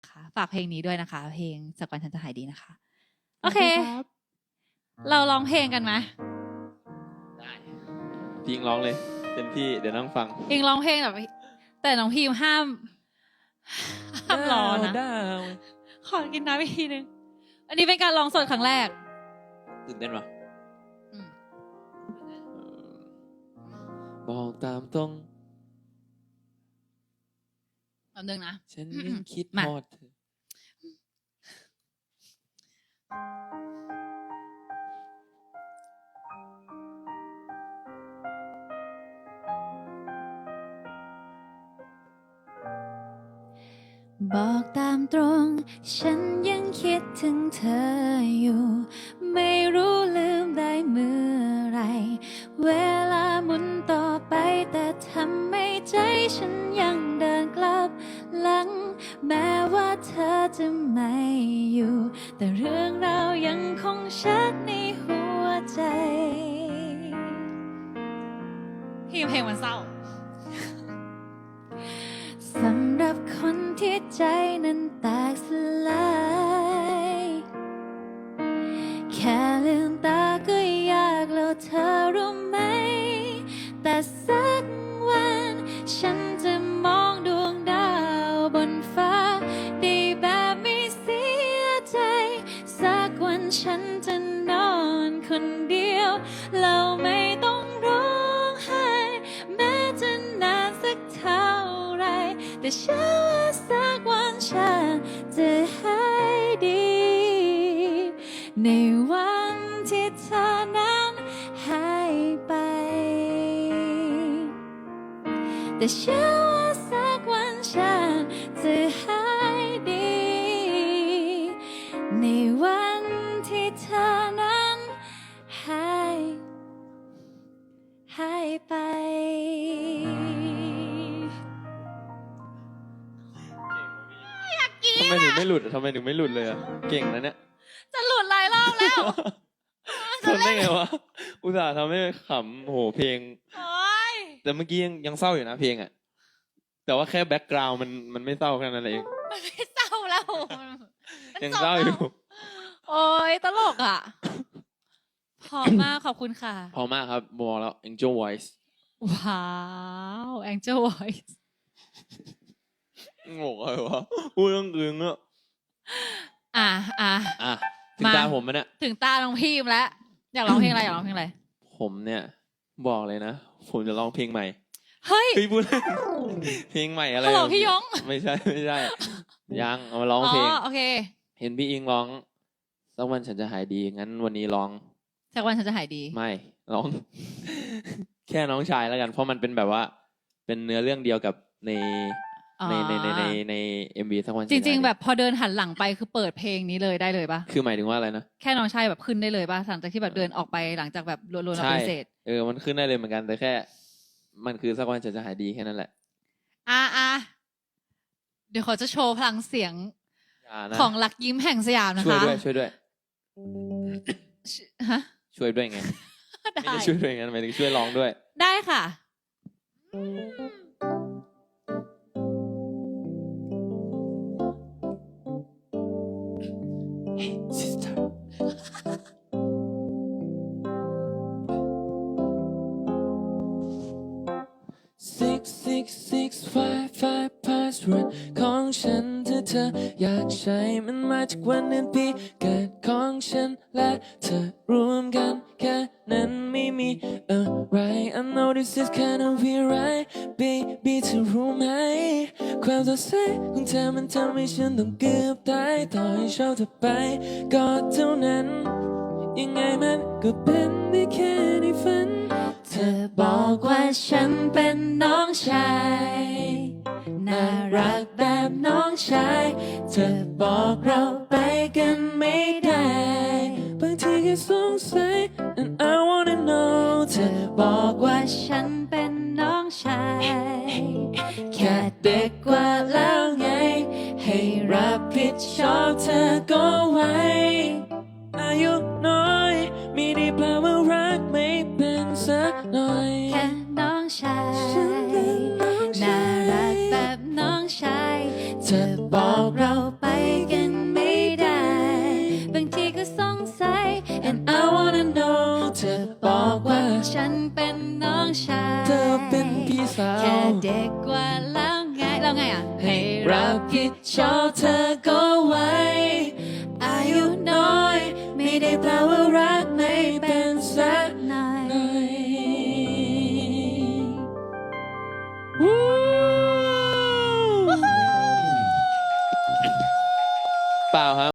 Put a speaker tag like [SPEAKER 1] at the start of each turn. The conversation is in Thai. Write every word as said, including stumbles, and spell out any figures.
[SPEAKER 1] ค่ะฝากเพลงนี้ด้วยนะคะเพลงสักวันฉันจะหายดีนะคะโอเคเราร้องเพลงกันไหม
[SPEAKER 2] ได้พิงร้องเลยเต็มที่เดี๋ยวนั่งฟัง
[SPEAKER 1] พิงร้องเพลงแบบแต่น้องพิมห้ามห้ามร้องนะขอกินน้ำอีกทีนึงอันนี้เป็นการร้องสดครั้งแรก
[SPEAKER 2] ตื่นเต้นปะบอกตามตรง
[SPEAKER 1] แป๊บนึงนะ
[SPEAKER 2] ฉันยังคิดทอดเธอ
[SPEAKER 1] บอกตามตรงฉันยังคิดถึงเธออยู่ไม่รู้ลืมได้เมื่อไรเวลาหมุนต่อไปแต่ทำให้ใจฉันยังเดินกลับหลังแม้ว่าเธอจะไม่อยู่แต่เรื่องราวยังคงชัดในหัวใจพี่เพลงมันเศร้าสำหรับคนที่ใจนั้นแตกสลายแค่ลืมตาก็ยากแล้วเธอรู้ไหมแต่สักวันฉันจะมองดวงดาวบนฟ้าได้แบบไม่เสียใจสักวันฉันจะนอนคนเดียวเราไม่ต้องร้องไห้แม้จะนานสักเท่าไรแต่เชื่อว่าสักวันฉันจะหายดีในวันที่เธอนั้นหายไปแต่เชื่อว่าสักวันฉันจะหายดีในวันที่เธอนั้นหายหายไป
[SPEAKER 2] ทำไมถึงไม่หลุดทำไมถึงไม่หลุดเลยอ่ะเก่งนะเนี่ย
[SPEAKER 1] จะหลุดหลายรอบแล้ว
[SPEAKER 2] ทำได้ไงวะอุตส่าห์ทำให้ขำโหเพลงแต่เมื่อกี้ยังยังเศร้าอยู่นะเพลงอ่ะแต่ว่าแค่แบ็กกราวด์มันมันไม่เศร้าแค่นั้นเอง
[SPEAKER 1] มันไม่เศร้าแล้ว
[SPEAKER 2] ยังเศร้าอยู่
[SPEAKER 1] โอ้ยตลกอ่ะพอมากขอบคุณค่ะ
[SPEAKER 2] พอมากครับมองแล้ว Angel Voice
[SPEAKER 1] ว้าว Angel Voice
[SPEAKER 2] งงอะไรวะพูดเรื่องอื่นอ่ะ
[SPEAKER 1] อ่ะอ่ะ
[SPEAKER 2] อ่ะถึงตาผมมันเนี่ย
[SPEAKER 1] ถึงตาน้องพิมแล้วอยากร้องเพลงอะไรอยากร้องเพลงอะไร
[SPEAKER 2] ผมเนี่ยบอกเลยนะผมจะร้องเพลงใหม่
[SPEAKER 1] เฮ้ย
[SPEAKER 2] พี่พูดเพลงใหม่อะไร
[SPEAKER 1] ฮัลโหลพี่ยง
[SPEAKER 2] ไม่ใช่ไม่ใช่ยังเอามาร้องเพลง
[SPEAKER 1] อ๋อโอเค
[SPEAKER 2] เห็นพี่อิงร้องสักวันฉันจะหายดีงั้นวันนี้ร้อง
[SPEAKER 1] สักวันฉันจะหายดี
[SPEAKER 2] ไม่ร้อง แค่น้องชายแล้วกันเพราะมันเป็นแบบว่าเป็นเนื้อเรื่องเดียวกับในในในในในในเอ็มวีสักวัน
[SPEAKER 1] จริงๆแบบพอเดินหันหลังไปคือเปิดเพลงนี้เลยได้เลยปะ
[SPEAKER 2] คือหมายถึงว่าอะไรนะ
[SPEAKER 1] แค่น้องชายแบบขึ้นได้เลยปะหลังจากที่แบบเดินออกไปหลังจากแบบรวนๆเราเป็นเศษ
[SPEAKER 2] เออมันขึ้นได้เลยเหมือนกันแต่แค่มันคือสักวันฉันจะหายดีแค่นั้นแหละ
[SPEAKER 1] อ่ะอ่ะเดี๋ยวขอจะโชว์พลังเสียงของลักยิ้มแห่งสยามนะคะ
[SPEAKER 2] ช่วยด้วยช่วยด้วย
[SPEAKER 1] ฮะ
[SPEAKER 2] ช่วยด้วยไงไม่ได้ช่วยด้วยไงหมายถึงช่วยร้องด้วย
[SPEAKER 1] ได้ค่ะ
[SPEAKER 2] Hey sister six six six five five password ของฉันถ้าเธออยากใช้มันมาจากวันเดือนปีเกิดของฉันและเธอรวมกันแค่นั้นไม่มีอะไร I know this is kind of weird right baby เธอรู้ไหมความสดใสของเธอมันทำให้ฉันต้องเกือบตายต่อให้ชอบเธอไปก็เท่านั้นยังไงมันก็เป็นได้แค่ในฝันเธอบอกว่าฉันเป็นน้องชายน่ารักแบบน้องชายเธอบอกเราไปกันไม่ได้บางทีแค่สงสัย and I wanna know เธอบอกว่าฉันเป็นน้องชายแค่เด็กกว่าแล้วไงให้รับผิดชอบเธอก็ไว้อายุน้อยไม่ได้แปลว่ารักไม่เป็นสักหน่อย
[SPEAKER 1] แค่น้องชายน่ารักแบบน้องชายเธอบอกเราฉันเป็นน้องชาย
[SPEAKER 2] เธอเป็นพี่สาว
[SPEAKER 1] แค่เด็กกว่าแล้วไงแล้วไงอ่ะ
[SPEAKER 2] ให้รับผิดชอบเธอก็ไว้
[SPEAKER 1] อายุน้อย ไม่ได้แปล